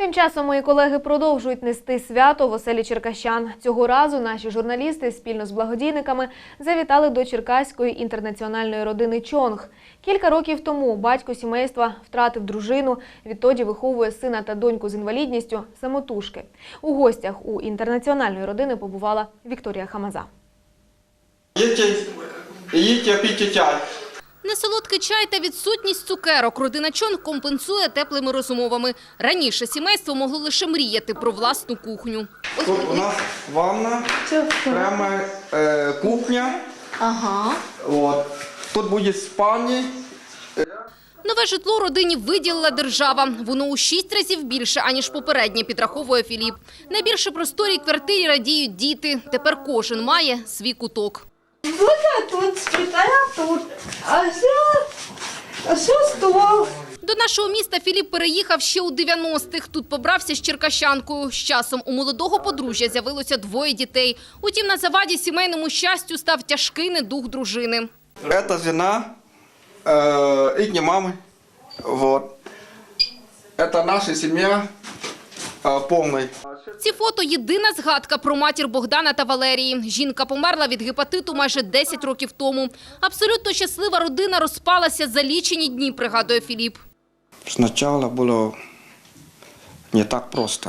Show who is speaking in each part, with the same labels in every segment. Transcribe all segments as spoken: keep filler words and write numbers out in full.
Speaker 1: Тим часом мої колеги продовжують нести свято в оселі черкащан. Цього разу наші журналісти спільно з благодійниками завітали до черкаської інтернаціональної родини Чонг. Кілька років тому батько сімейства втратив дружину, відтоді виховує сина та доньку з інвалідністю самотужки. У гостях у інтернаціональної родини побувала Вікторія Хамаза.
Speaker 2: Їдьте, їдьте, пийте чай.
Speaker 3: Несолодкий чай та відсутність цукерок родина Чонг компенсує теплими розмовами. Раніше сімейство могло лише мріяти про власну кухню.
Speaker 2: Тут у нас ванна, прямо е, кухня.
Speaker 3: Ага.
Speaker 2: От. Тут буде спальня.
Speaker 3: Нове житло родині виділила держава. Воно у шість разів більше, аніж попереднє, підраховує Філіп. Найбільше просторій квартирі радіють діти. Тепер кожен має свій куток.
Speaker 4: Вот тут спитая тут, а все, а все стол.
Speaker 3: До нашого міста Філіп переїхав ще у дев'яностих. Тут побрався з черкащанкою. З часом у молодого подружжя з'явилося двоє дітей. Утім, на заваді сімейному щастю став тяжкий недуг дружини.
Speaker 2: Це жена, е, їхня мама. Вот. Це наша сім'я е, повна.
Speaker 3: Ці фото – єдина згадка про матір Богдана та Валерії. Жінка померла від гепатиту майже десять років тому. Абсолютно щаслива родина розпалася за лічені дні, пригадує Філіп.
Speaker 2: Спочатку було не так просто.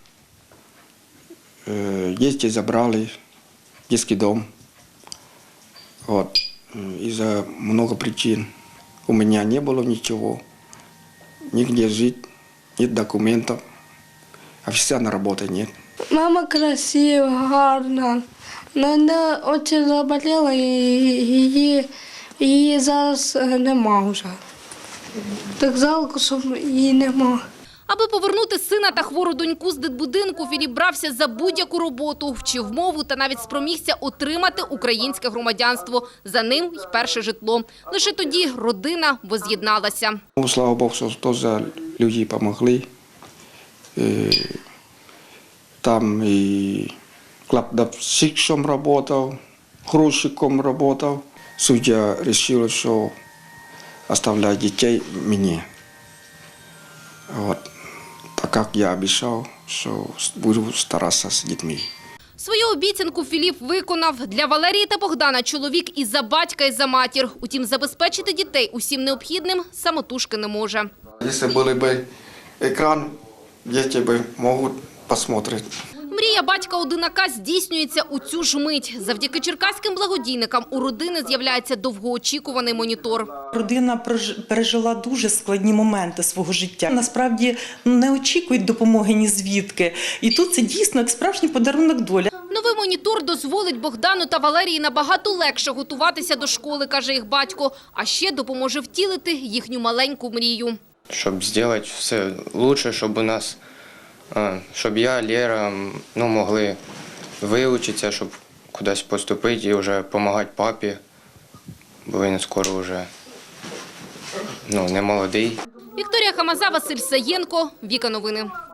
Speaker 2: Діти забрали в дитячий дом. Вот. Из-за много причин. У меня не было ничего. Нигде жить, нет документов. Официальной работы нет.
Speaker 4: Мама красива, гарна. Но вона дуже заболіла і її, її зараз нема вже. Так жалко, що її нема.
Speaker 3: Аби повернути сина та хвору доньку з дитбудинку, Філіп брався за будь-яку роботу, вчив мову та навіть спромігся отримати українське громадянство. За ним й перше житло. Лише тоді родина воз'єдналася.
Speaker 2: Ну, слава Богу, що теж люди допомогли. Там и кладовщиком работал, грузчиком работал. Судья решила, что оставлять детей мне. Вот. Так как я обещал, что буду стараться с детьми.
Speaker 3: Свою обіцянку Філіп виконав. Для Валерії та Богдана чоловік і за батька, і за матір. Утім, забезпечити дітей усім необхідним самотужки не може.
Speaker 2: Якщо був б екран, діти б можуть посмотреть.
Speaker 3: Мрія батька-одинака здійснюється у цю ж мить. Завдяки черкаським благодійникам у родини з'являється довгоочікуваний монітор.
Speaker 5: Родина пережила дуже складні моменти свого життя. Насправді не очікують допомоги ні звідки. І тут це дійсно як справжній подарунок долі.
Speaker 3: Новий монітор дозволить Богдану та Валерії набагато легше готуватися до школи, каже їх батько. А ще допоможе втілити їхню маленьку мрію.
Speaker 6: Щоб зробити все краще, щоб у нас, щоб я, Лера, ну, могли вивчитися, щоб кудись поступити і вже допомагати папі, бо він скоро вже ну, не молодий.
Speaker 3: Вікторія Хамаза, Василь Саєнко, Віка Новини.